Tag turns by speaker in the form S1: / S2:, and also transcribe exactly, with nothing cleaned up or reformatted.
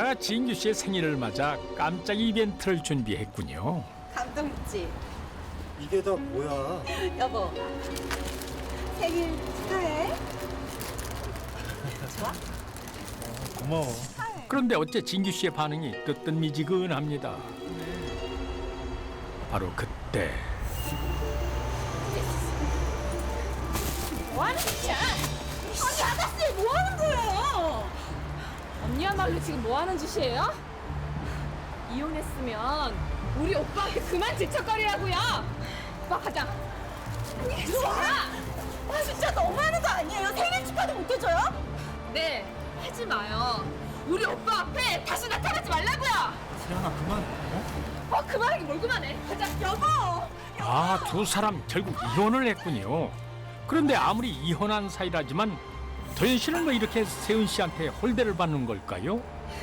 S1: 오빠가 진규 씨의 생일을 맞아 깜짝 이벤트를 준비했군요.
S2: 감동 있지?
S3: 이게 다 뭐야?
S2: 여보, 생일 축하해. 좋아?
S3: 고마워.
S1: 그런데 어째 진규 씨의 반응이 뜨뜻미지근합니다. 바로 그때
S2: 뭐 하는 짓이야? 아니, 아가씨, 뭐 하는 거예요?
S4: 언니야말로 지금 뭐 하는 짓이에요? 이혼했으면 우리 오빠한테 그만 질척거리라고요. 오빠 가자.
S2: 들어와! 아, 진짜 너무하는 거 아니에요? 생일 축하도 못 해줘요?
S4: 네, 하지 마요. 우리 오빠 앞에 다시 나타나지 말라고요.
S3: 세연아 그만. 어?
S4: 어, 그만하기 뭘 그만해. 가자.
S2: 여보!
S1: 아, 두 사람 결국 이혼을 했군요. 그런데 아무리 이혼한 사이라지만 도현 씨는 왜 이렇게 세은 씨한테 홀대를 받는 걸까요?